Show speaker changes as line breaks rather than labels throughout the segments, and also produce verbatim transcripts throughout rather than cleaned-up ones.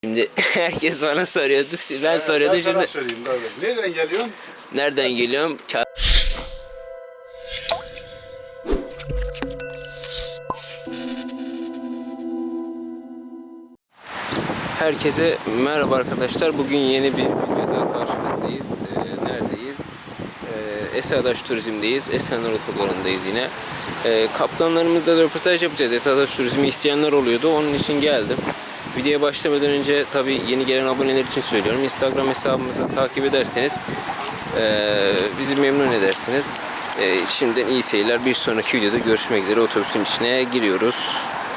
Şimdi herkes bana soruyordu. Ben
Evet,
soruyordum
ben sana
şimdi.
söyleyeyim böyle. Nereden geliyorsun?
Nereden geliyorum? Ça- Herkese merhaba arkadaşlar. Bugün yeni bir videoda karşınızdayız. Ee, neredeyiz? Ee, Esadaş Turizm'deyiz. Esenler Otogarı'ndayız yine. Ee, kaptanlarımızla da röportaj yapacağız. Esadaş Turizm'i isteyenler oluyordu. Onun için geldim. Videoya başlamadan önce tabii yeni gelen aboneler için söylüyorum. Instagram hesabımızı takip ederseniz e, bizi memnun edersiniz. E, şimdiden iyi seyirler. Bir sonraki videoda görüşmek üzere. Otobüsün içine giriyoruz.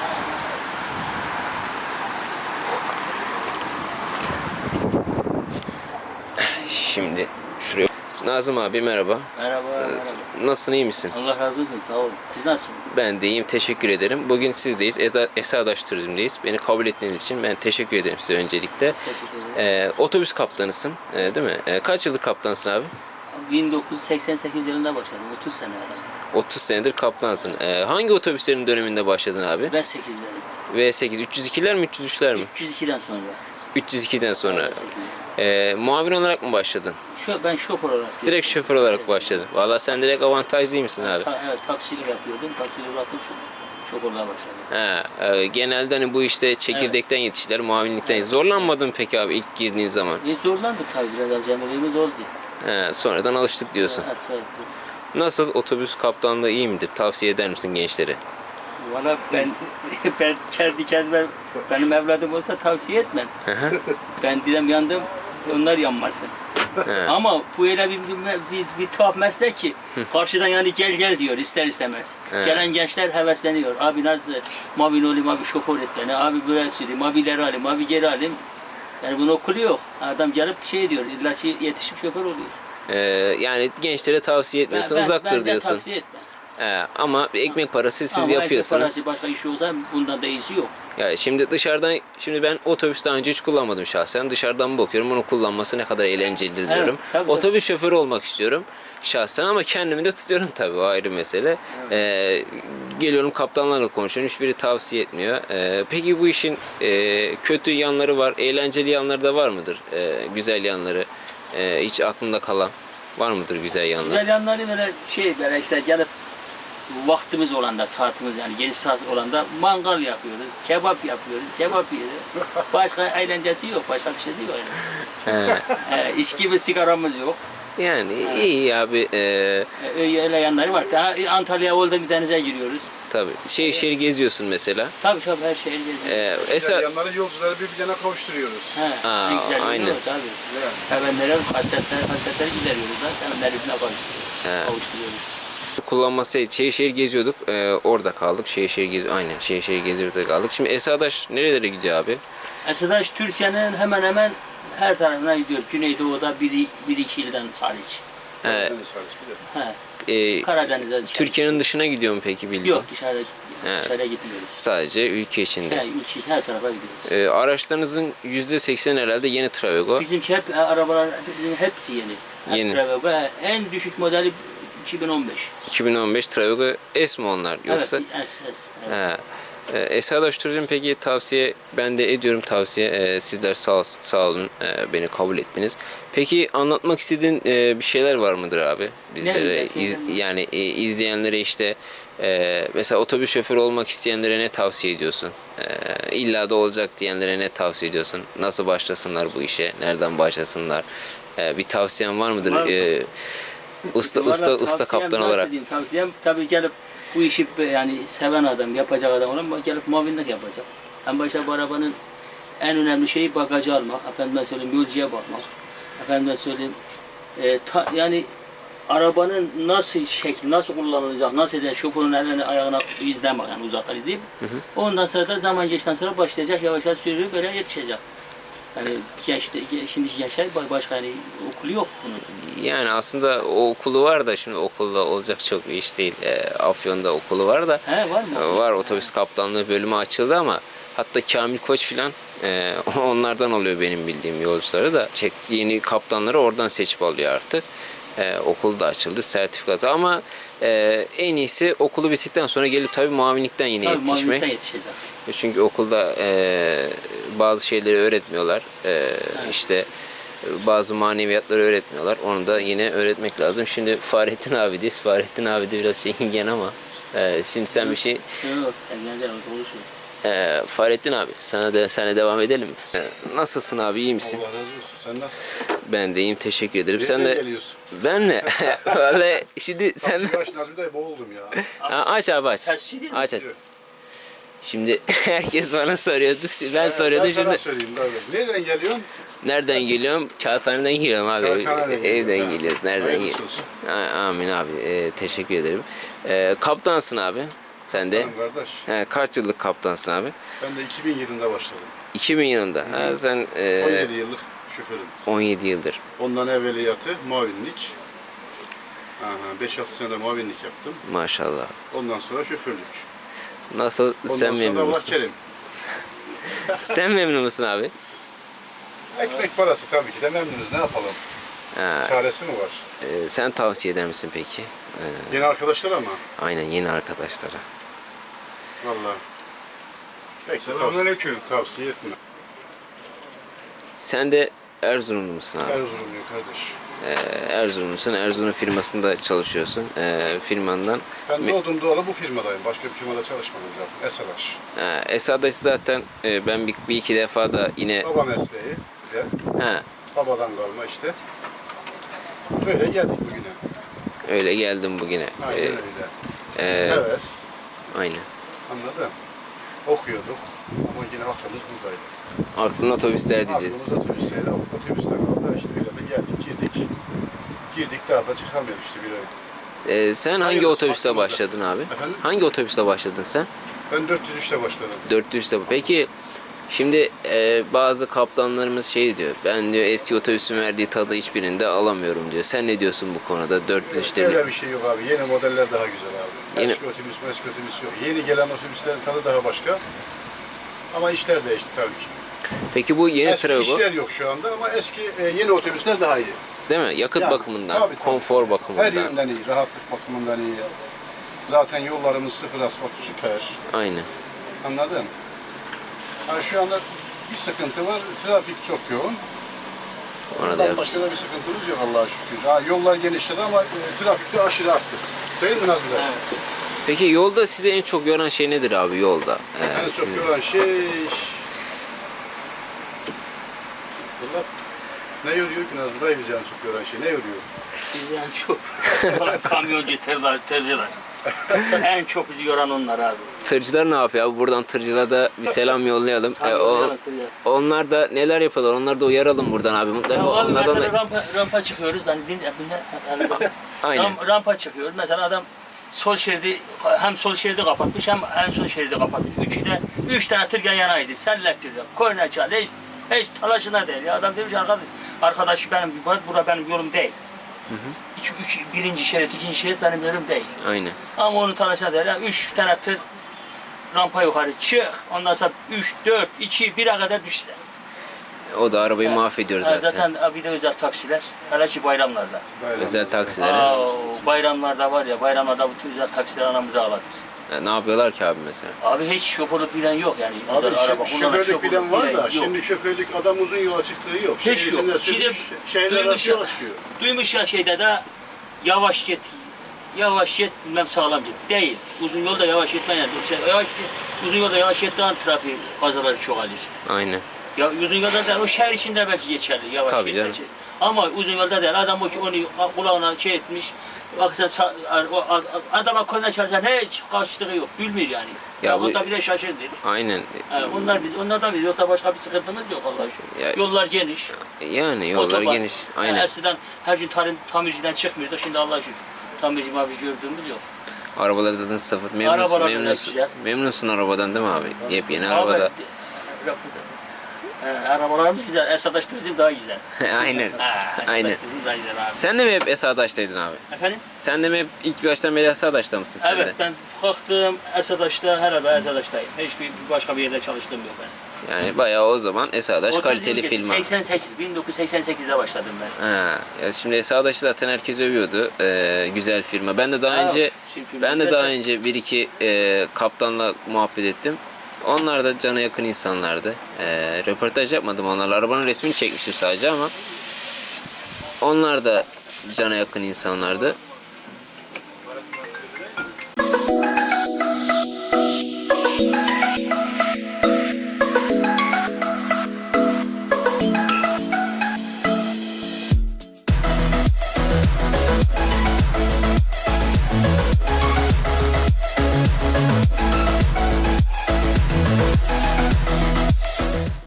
Şimdi şuraya. Nazım abi merhaba.
Merhaba, merhaba.
Nasılsın, iyi misin?
Allah razı olsun, sağ olun. Siz nasılsınız?
Ben de iyiyim, teşekkür ederim. Bugün sizdeyiz, Eda, Esadaş Turizm'deyiz. Beni kabul ettiğiniz için ben teşekkür ederim size öncelikle.
Teşekkür ederim.
Ee, otobüs kaptanısın, e, değil mi? E, kaç yıllık kaptansın abi?
bin dokuz yüz seksen sekiz yılında başladım, otuz sene herhalde.
otuz senedir kaptansın. Ee, hangi otobüslerin döneminde başladın abi?
Ve sekizleri.
V sekiz, üç yüz ikiler mi, üç yüz üçler mi?
üç yüz ikiden sonra.
üç yüz ikiden sonra.
Evet, sekizler.
Ee, muavin olarak mı başladın?
Şu, ben şoför olarak.
Direkt şoför olarak başladın. Vallahi sen direkt avantajlıymışsın abi.
Ta, evet, taksilik yapıyordum, taksilik bıraktım şu şoförluğa başladım.
Ha, e, genelde hani bu işte çekirdekten yetiştiler, muavinlikten.
Evet.
Zorlanmadın peki abi ilk girdiğin zaman?
E, zorlandı tabii, biraz acemiliğimiz oldu.
Ha, sonradan alıştık diyorsun.
Evet, evet.
Nasıl, otobüs kaptanlığı iyi midir? Tavsiye eder misin gençlere?
Valla ben, ben kendi kendime, benim evladım olsa tavsiye etmem.
Hı hı.
Ben dedim yandım, onlar yanmasın.
He.
Ama bu öyle bir, bir, bir, bir tuhaf meslek ki karşıdan yani gel gel diyor ister istemez.
He.
Gelen gençler hevesleniyor. Abi nasıl mobil olayım, abi şoför et beni, abi böyle süreyim, abi ileri alayım, abi geri alayım. Yani bunun okulu yok. Adam gelip şey diyor, illa ki yetişip şoför oluyor.
Ee, yani gençlere tavsiye etmiyorsun, uzaktır
ben
diyorsun.
tavsiye etmem.
He, ama ekmek parası siz
Ama
yapıyorsunuz.
parası başka iş olsa bundan da iyisi yok.
Ya şimdi dışarıdan, şimdi ben otobüs daha önce hiç kullanmadım şahsen. Dışarıdan bakıyorum, onu kullanması ne kadar eğlencelidir
Evet,
diyorum.
tabii,
Otobüs şoförü olmak istiyorum şahsen ama kendimi de tutuyorum tabii, o ayrı mesele. Ee, geliyorum kaptanlarla konuşuyorum, hiçbiri tavsiye etmiyor. Ee, peki bu işin e, kötü yanları var, eğlenceli yanları da var mıdır? Ee, güzel yanları, e, hiç aklında kalan var mıdır güzel yanları?
Güzel yanları böyle şey böyle işte gelip vaktimiz olanda, saatimiz yani geniş saat olanda mangal yapıyoruz, kebap yapıyoruz, kebap yiyoruz. Başka eğlencesi yok, başka bir şeysi yok. Yani.
He,
Ee, içki ve sigaramız yok.
yani iyi abi. E,
Ee, öyle yanları var. Daha Antalya'ya oldu bir denize giriyoruz.
tabii şehir şehir geziyorsun mesela.
Tabii tabii her şey geziyoruz.
Ee,
Güzel
Esa,
yanları yolcuları birbirine kavuşturuyoruz.
He,
Aa,
en güzel
aynen.
aynen. Tabii.
Evet.
Sevenlere hasretleri, hasretleri gideriyoruz da sevenleri birbirine kavuşturuyoruz.
He.
Kavuşturuyoruz.
kullanması şehir şehir geziyorduk. Ee, orada kaldık. Şehir şehir gezi aynen şehir şehir geziyorduk kaldık. Şimdi Esadaş nerelere gidiyor abi?
Esadaş Türkiye'nin hemen hemen her tarafına gidiyor. Güneydoğu'da bir, bir iki ilden hariç.
Ee,
Karadeniz hariç bir de.
He.
e,
Karadeniz'e dışarı.
Türkiye'nin dışına gidiyor mu peki bildiğin?
Yok dışarı,
He,
dışarı gitmiyoruz.
Sadece ülke içinde.
He, ülke her tarafa gidiyoruz.
Ee, araçlarınızın yüzde seksen herhalde yeni Travego.
Bizimki hep e, arabalar bizim hepsi yeni. Hep
Yeni.
Travel. Ve en düşük modeli iki bin on beş.
iki bin on beş Travego S mi onlar yoksa?
Evet, S, S. Evet.
He. Ee, Esadaş Turizm peki tavsiye, ben de ediyorum tavsiye. Ee, sizler sağ, sağ olun, ee, beni kabul ettiniz. Peki anlatmak istediğin ee, bir şeyler var mıdır abi bizlere?
Ne-
İz-
ne-
yani e, izleyenlere işte ee, mesela otobüs şoförü olmak isteyenlere ne tavsiye ediyorsun? Ee, illa da olacak diyenlere ne tavsiye ediyorsun? Nasıl başlasınlar bu işe? Nereden başlasınlar? Ee, bir tavsiyen var mıdır?
Var.
Ee, usta
Vallahi
usta usta
tavsiyem
kaptan
nasıl
olarak.
diyeyim, tavsiyem tabii gelip bu işi yani seven adam, yapacak adam olan gelip muavinlik yapacak. En başta bu arabanın en önemli şeyi bagajı almak, efendime söyleyeyim yolcuya bakmak, efendime söyleyeyim e, ta, yani arabanın nasıl şekli, nasıl kullanılacak, nasıl edecek, şoförün elini ayağına izlemek yani uzaktan izleyip hı hı. Ondan sonra da zaman geçtikten sonra başlayacak yavaş yavaş sürüyor böyle yetişecek. Yani gençte, şimdiki gençler başka yani okulu yok bunun.
Yani aslında o okulu var da şimdi okulda olacak çok bir iş değil. E, Afyon'da okulu var da.
He var mı?
E, var, otobüs kaptanlığı bölümü açıldı ama hatta Kamil Koç filan e, onlardan oluyor benim bildiğim yolcuları da. Çek, yeni kaptanları oradan seçip alıyor artık. E, okul da açıldı, sertifikası ama e, en iyisi okulu bittikten sonra gelip tabii muavinlikten yine
Tabii
yetişmek.
muavinlikten yetişecek.
Çünkü okulda e, bazı şeyleri öğretmiyorlar. E, işte bazı maneviyatları öğretmiyorlar. Onu da yine öğretmek lazım. Şimdi Fahrettin abideyiz. Fahrettin abi de biraz çekingen ama e, şimdi sen bir şey
Yok, evleneceğim, konuşuyor.
e, Fahrettin abi sana da sana devam edelim mi? E, nasılsın abi, iyi misin?
Allah razı olsun. Sen nasılsın?
Ben de iyiyim, teşekkür ederim. Sen
Nereden
de
geliyorsun?
ben mi? Vallahi şimdi sen
Yavaş Nazmi dayı boğuldum ya.
Ha, aç abi aç.
Sesçi değil mi?
Aç aç. Şimdi herkes bana soruyordu. Ben soruyordum
Ben sana
şimdi.
söyleyeyim abi. Nereden geliyorsun?
Nereden geliyorum? Kağıthane'den geliyorum abi.
Kağıthane'den
Evden
geliyorum.
geliyoruz. Nereden
Hayırlısı
geliyoruz?
olsun.
Amin abi. Ee, teşekkür ederim. Ee, kaptansın abi. Sen de.
Benim kardeş.
He, kaç yıllık kaptansın abi?
Ben de iki bin yılında başladım.
iki bin yılında. Ha, sen e,
on yedi yıllık şoförüm.
on yedi yıldır.
Ondan evveliyatı muavinlik. beş altı senede muavinlik yaptım.
Maşallah.
Ondan sonra şoförlük.
Nasıl?
Ondan
Sen
sonra
memnun
Allah
musun?
kerim.
Sen memnun musun abi?
Ekmek parası tabii ki de memnunuz. Ne yapalım?
Ha,
Çaresi mi var?
e, sen tavsiye eder misin peki? Ee,
Yeni arkadaşlar ama.
aynen, yeni arkadaşlara.
Vallahi. Pek de tavsiye, tavsiye etme.
Sen de Erzurumlu musun abi?
Erzurumluyum kardeş.
Ee, Erzurumlusun. Erzurum firmasında çalışıyorsun. Ee, firmandan.
Ben doğdum doğalı bu firmadayım. Başka bir firmada çalışmadım zaten. Esadaş.
Ee, Esadaş zaten e, ben bir, bir iki defa da yine
Baba mesleği. Bir de
ha,
babadan kalma işte. Böyle geldik bugüne.
öyle geldim bugüne.
Aynen
Ee,
öyle.
e,
Heves.
aynen.
Anladın? Okuyorduk. Ama yine aklımız buradaydı.
Aklın otobüslerdeydi.
Aklımız otobüsteydi. Otobüste kaldı. İşte öyle de geldik girdik. Girdik daha da çıkamıyoruz işte bir ay.
Ee, sen hangi
Hayırlısı,
otobüste
aklımızda.
başladın abi?
Efendim?
Hangi otobüste başladın sen?
Ben dört yüz üçte başladım.
dört yüzde. Peki şimdi e, bazı kaptanlarımız şey diyor. Ben diyor eski otobüsün verdiği tadı hiçbirinde alamıyorum diyor. Sen ne diyorsun bu konuda? dört yüz üçte
Öyle
mi?
bir şey yok abi. Yeni modeller daha güzel abi.
Yeni-
Eski otobüs, eski otobüs yok. Yeni gelen otobüslerin tadı daha başka. Ama işler değişti tabii ki.
Peki bu yeni
Eski
Trago
işler yok şu anda ama eski e, yeni otobüsler daha iyi.
değil mi? Yakıt
Yani,
bakımından,
tabii, tabii.
konfor
Her
bakımından.
yönden iyi, rahatlık bakımından iyi. Zaten yollarımız sıfır asfalt süper.
Aynen.
Anladın? Yani şu anda bir sıkıntı var. Trafik çok yoğun.
Ona da
Ondan
yap.
başka da bir sıkıntımız yok Allah'a şükür. Ha, yollar genişledi ama e, trafik de aşırı arttı. Değil mi Nazmi Bey?
Peki yolda size en çok yoran şey nedir abi yolda? Ee,
En çok
sizi-
yoran şey... Bunlar ne yoruyor ki Nazmi Bey bizi en çok yoran şey? Ne yoruyor?
Sizi en çok kamyoncu tırlar, tırcılar. En çok bizi yoran onlar abi.
Tırcılar ne yapıyor abi? Buradan tırcılara da bir selam yollayalım.
Tabii
Ee, o,
yoran tırcılar.
onlar da neler yapıyorlar? Onları da uyaralım buradan abi. Mutlaka
Ya abi
onlardan
mesela
da...
rampa, rampa çıkıyoruz. Ben din, dinle, yani bak,
Aynen.
ram- rampa çıkıyoruz. Mesela adam sol şeridi hem sol şeridi kapatmış hem en son şeridi kapatmış. Üçü de üç tane tır yan yanaydı. Sellek diyor. Korna çal. Hiç, hiç talaşına değil. Ya adam demiş arkadaş, arkadaş benim burada benim yolum değil. İki, üç, birinci şerit, ikinci şerit benim yolum değil.
Aynen.
Ama onun talaşına değil. Ya, üç tane tır rampa yukarı çık. Ondan sonra üç, dört, iki, bire kadar düşse.
O da arabayı mahvediyor
Ha,
zaten.
zaten bir de özel taksiler. Hele ki bayramlarda.
Bayramda.
Özel taksiler.
Aa, bayramlarda var ya, bayramlarda bütün özel taksiler anamızı ağlatır.
Ya ne yapıyorlar ki abi mesela?
Abi hiç şoförlük bilen yok yani.
Abi
özel
şö-
araba kullanan
şoförlük bilen var da
yok.
şimdi şoförlük adam uzun yola çıktığı yok.
Hiç
Şehir
yok.
içinde
Şimdi
sürüş- şehirler
duymuş
arası
ya,
yola çıkıyor.
duymuş ya şeyde de yavaş git, yavaş git bilmem sağlam git. Değil. Uzun yolda yavaş gitmeyen, şey, yavaş uzun yolda yavaş gittiğin trafik kazaları çoğalır.
Aynen.
Ya uzun yolda da o şehir içinde belki geçerli yavaş
Tabii
git.
canım.
Şey. Ama uzun yolda değil. Adam o ki onu kulağına şey etmiş. Bak sen sa- o a- a- adama korna çalarsan hiç karşılığı yok. Bilmiyor yani.
Ya
Ya
bu-
o da bile şaşırdı.
Aynen.
Ha, onlar biz onlardan biz yoksa başka bir sıkıntımız yok Allah'a şükür.
Ya-
Yollar geniş.
Yani yollar
otoban.
geniş.
Yani
Aynen.
eskiden her gün tarım, tamirciden çıkmıyordu. Şimdi Allah'a şükür. Tamirci mamirci gördüğümüz yok.
Arabalar zaten sıfır. Memnunsun,
Arabalar bile
memnunsun.
güzel.
Memnunsun arabadan değil mi abi? Yepyeni
Abi,
arabada.
de- He, arabalarımız güzel. Esadaş turizm daha güzel.
Aynen.
Ha, Esadaş
Aynen.
turizm daha güzel abi.
Sen de mi hep Esadaş'taydın abi?
Efendim?
Sen de mi hep ilk baştan beri Esadaş'ta mısın sen
Evet
de?
ben kalktım Esadaş'ta herhalde Esadaş'tayım. Hiçbir başka bir yerde çalıştığım yok ben.
Yani bayağı o zaman Esadaş
O
kaliteli
turizm
firma.
seksen sekiz, bin dokuz yüz seksen sekizde başladım ben.
Ha, ya şimdi Esadaş'ı zaten herkes övüyordu. Ee, güzel firma. Ben de daha
Ha,
önce
şimdi firma
ben de daha
güzel.
önce bir iki e, kaptanla muhabbet ettim. Onlar da cana yakın insanlardı. Ee, röportaj yapmadım onlarla. Arabanın resmini çekmiştim sadece ama onlar da cana yakın insanlardı.